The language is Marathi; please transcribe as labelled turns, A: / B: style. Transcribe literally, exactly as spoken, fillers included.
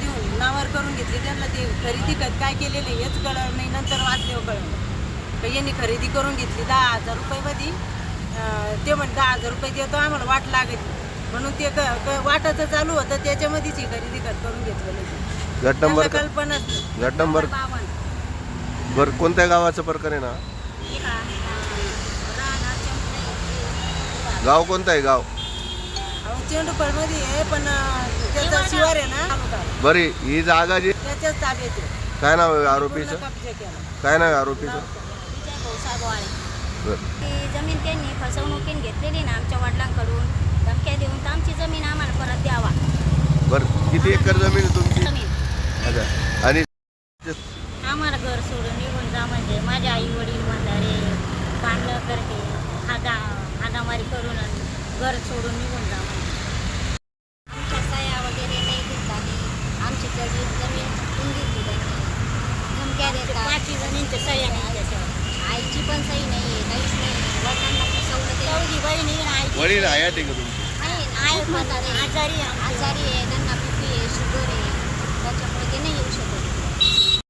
A: देऊन नावावर करून घेतली. त्यांना ते खरेदी खत काय केलेले हेच कळलं नाही. नंतर वाचल्यावर कळलं तर यांनी खरेदी करून घेतली दहा हजार रुपयामध्ये. ते म्हणे दहा हजार रुपये देतो आम्हाला वाट लागत म्हणून ते क वाटाचं चालू होतं त्याच्यामध्येच ही खरेदी खत करून घेतलेलं.
B: गट नंबर
A: कल्पना
B: गट नंबर बरं कोणत्या गावाचा प्रकार आहे ना? गाव कोणतं आहे गाव?
A: चेंडूफळ मध्ये आहे पण त्याचा शिवार आहे ना.
B: बरी ही जागा जी
A: त्याच्याच ताब्यात आहे.
B: काय नाव आहे आरोपीचं?
A: कब्जा केला.
B: काय नाव आहे आरोपीचं?
C: ती जमीन त्यांनी फसवणुकीने घेतलेली ना आमच्या वडिलांकडून. धमक्या देऊन तर आमची जमीन आम्हाला परत द्यावा.
B: बरं किती एकर जमीन आहे तुमची?
C: जमीन
B: अच्छा आणि
C: आम्हाला घर सोडून निघून जा म्हणजे माझे आई वडील म्हातारे बांधलं करते हादा हादामारी करून घर सोडून निघून जा म्हणजे. आमच्या सह्या वगैरे नाही घेतला नाही. आमची जमीन जमीन घेतली त्यांनी. धमक्या देतात. पाचवी जमीनच्या सह्या नाही त्याच्यावर. आईची पण सही नाही आहे काहीच नाही. वडिलांना फसवलं ते. चौघी बहिणी आई
B: वडील हयात आहे का तुमची?
C: नाही आई म्हातारे आजारी आहे आजारी आहे.